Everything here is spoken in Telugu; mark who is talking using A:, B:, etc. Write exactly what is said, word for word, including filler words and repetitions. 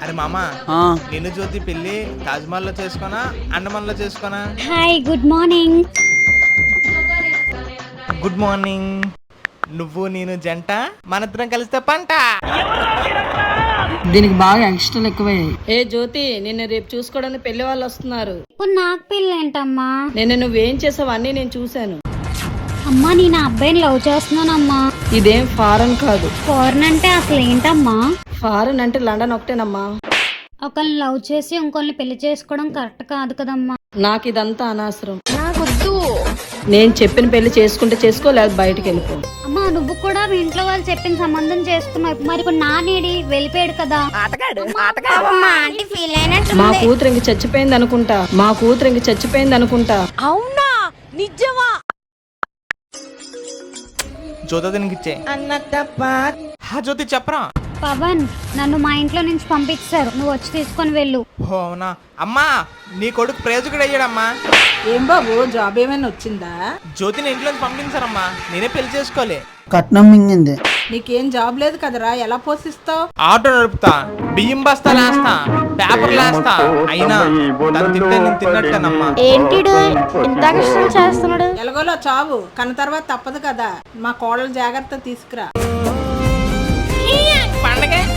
A: అరే మామ నిన్ను జ్యోతి పెళ్లి తాజ్మహల్ లో చేసుకోనా అండమాన్ లో చేసుకోనా?
B: Hi good morning.
A: Good morning. నువ్వు నేను జంట, మనిద్దరం కలిస్తే పంట.
C: దీనికి బాగా ఎక్స్ట్రా ఎక్కువయ్యాయి.
D: ఏ జ్యోతి, నిన్ను రేపు చూసుకోవడానికి పెళ్లి వాళ్ళు వస్తున్నారు.
B: ఇప్పుడు నాకు పెళ్ళి ఏంటమ్మా?
D: నిన్న నువ్వేం చేసావు అన్నీ నేను చూశాను.
B: అమ్మా నేను ఆ అబ్బాయిని లవ్ చేస్తున్నానమ్మా.
D: ఇదేం ఫారెన్ కాదు.
B: ఫారెన్ అంటే అసలు ఏంటమ్మా?
D: ఫారెన్ అంటే లండన్ ఒకటేనమ్మా.
B: ఒకళ్ళని లవ్ చేసి ఇంకొల్ని పెళ్లి చేసుకోవడం కరెక్ట్ కాదు కదమ్మా.
D: నాకు ఇదంతా అనవసరం. నేను చెప్పిన పెళ్లి చేసుకుంటే చేసుకో, లేదా బయటికి వెళ్ళిపో.
B: అమ్మా నువ్వు కూడా మీ ఇంట్లో వాళ్ళు చెప్పిన సంబంధం చేసుకున్నావు, మరి ఇప్పుడు నా నీడి వెళ్ళిపోయాడు కదా.
D: మా కూతురు ఇంక చచ్చిపోయింది అనుకుంటా. మా కూతురు ఇంక చచ్చిపోయింది అనుకుంటా.
E: అవునా? నిజమా?
A: జ్యోతి దీనికి ఇచ్చే హా జ్యోతి చెప్పరా.
B: పవన్ నన్ను మా ఇంట్లో నుంచి పంపించారు, నువ్వు వచ్చి తీసుకొని వెళ్ళు.
A: ఓ అవునా అమ్మా, నీ కొడుకు ప్రయోజకుడు అయ్యాడమ్మా.
C: ఏం బాబు, జాబ్ ఏమైనా వచ్చిందా?
A: జ్యోతిని ఇంట్లోంచి పంపించారమ్మా, నేనే పెళ్లి చేసుకోలే.
C: కట్నం మింగింది. నీకేం జాబ్ లేదు కదరా, ఎలా పోషిస్తావు?
A: ఆటో నడుపుతా, బియ్యం బస్తా లేస్తా, పేపర్ లేస్తా, అయినా తను తింటే నేను తిన్నట్టేనమ్మా.
E: ఏంటి ఇంత కష్టం చేస్తున్నాడు?
C: ఎలాగోలో చావు, కన్న తర్వాత తప్పదు కదా. మా కోడలు జాగ్రత్త తీసుకురా.
A: పండగ